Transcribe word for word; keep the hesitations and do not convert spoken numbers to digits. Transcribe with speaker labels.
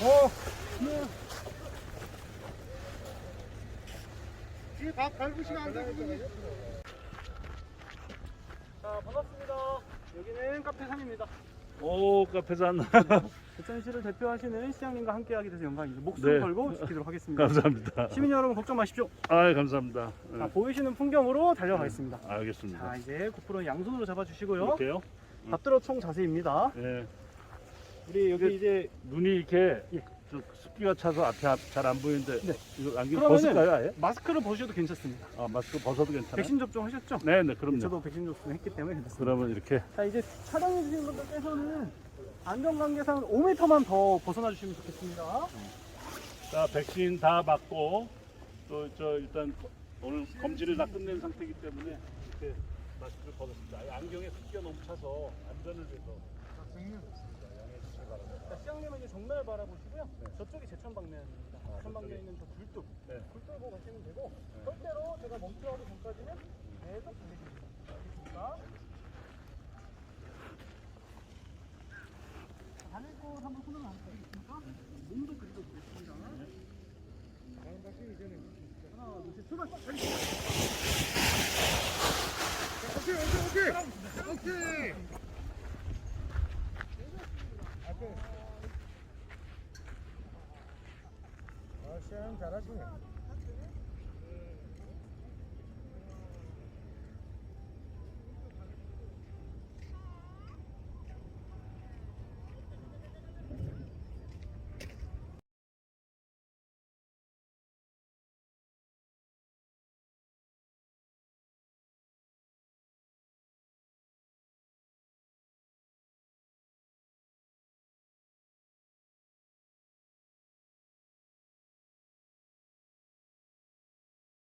Speaker 1: 어, 네. 뒤에 밥 밟으시면 안 되거든요. 자, 반갑습니다. 여기는 카페산입니다.
Speaker 2: 오, 카페산.
Speaker 1: 대천시를 대표하시는 시장님과 함께하게 돼서 영광입니다. 목숨
Speaker 2: 네.
Speaker 1: 걸고 지키도록 하겠습니다.
Speaker 2: 감사합니다.
Speaker 1: 시민 여러분 걱정 마십시오.
Speaker 2: 아, 감사합니다.
Speaker 1: 자,
Speaker 2: 네.
Speaker 1: 보이시는 풍경으로 달려가겠습니다.
Speaker 2: 알겠습니다.
Speaker 1: 자, 이제 고프로는 양손으로 잡아주시고요.
Speaker 2: 이렇게요?
Speaker 1: 밥들어 총 자세입니다.
Speaker 2: 예.
Speaker 1: 우리 여기 이제
Speaker 2: 눈이 이렇게
Speaker 1: 예.
Speaker 2: 좀 습기가 차서 앞에 잘 안 보이는데
Speaker 1: 네.
Speaker 2: 이거 안경
Speaker 1: 그러면은-
Speaker 2: 벗을까요, 아예?
Speaker 1: 마스크를 벗으셔도 괜찮습니다.
Speaker 2: 아, 마스크 벗어도 괜찮아요?
Speaker 1: 백신 접종 하셨죠?
Speaker 2: 네, 네, 그럼요.
Speaker 1: 저도 백신 접종 했기 때문에 괜찮습니다.
Speaker 2: 그러면 이렇게
Speaker 1: 자, 이제 촬영해 주시는 분들께서는 안전관계상 오 미터만 더 벗어나 주시면 좋겠습니다.
Speaker 2: 자, 백신 다 맞고 또 저 일단 오늘 검진을 다 끝낸 상태이기 때문에 이렇게 마스크를 벗었습니다. 아예 안경에 습기가 너무 차서 안전을 위해서 양해해 주시기 바랍니다.
Speaker 1: 자, 시장님은 이제 정면을 바라보시고요. 저쪽이 제천 방면입니다.
Speaker 2: 아,
Speaker 1: 제천 방면에
Speaker 2: 저쪽에.
Speaker 1: 있는 저 굴뚝.
Speaker 2: 네.
Speaker 1: 굴뚝 보고 가시면 되고,
Speaker 2: 네.
Speaker 1: 절대로 제가 멈춰가기 전까지는 계속 달리십니다. 알겠습니까? 자, 달릴 곳 한번 손을 안 드리겠습니까? 몸도 그리고 보겠습니다. 하나, 둘, 셋, 출발!
Speaker 3: 오케이 오케이 오케이 오케이 앞에 아 시험 잘하시네.